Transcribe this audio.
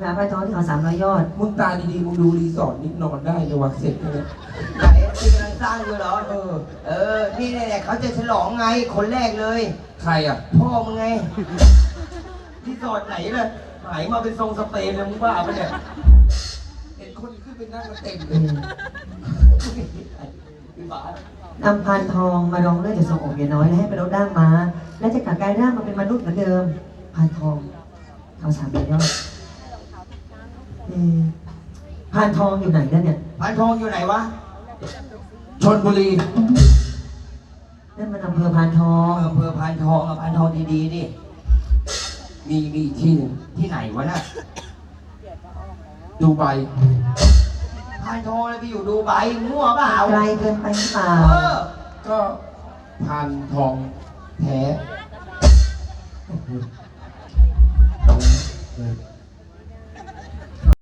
หาพานทองที่เขา300 ยอดมึงตาดีๆมึงดูรีสอร์ทนี่นอนได้ในวัดเสร็จเลยไหนที่กำลังสร้างอยู่เหรอนี่แหละเขาจะฉลองไงคนแรกเลยใครอ่ะพ่อมึงไงที่สอดไหนเลยหายมาเป็นทรงสเปนเลยมึงบ้าปะเนี่ยเห็นคนขึ้นไปนั่งกันเต็มเลอืยมพี่บ้านำพานทองมารองเลือดจากทรงอกเมียน้อยและให้ไปลดด้ามม้าและจะกลับกลายร่างมาเป็นมนุษย์เหมือนเดิมพานทองเขา300 ยอดพานทองอยู่ไหนแล้วเนี่ยพานทองอยู่ไหนวะชลบุรีนั่นมันอำเภอพานทองอำเภอพานทองอะพานทองดีๆดิมีอีกที่หนึ่งที่ไหนวะน่ะดูไบพานทองเลยไปอยู่ดูไบมั่วเปล่าไกลเกินไปหรือเปล่าก็พันทองแท้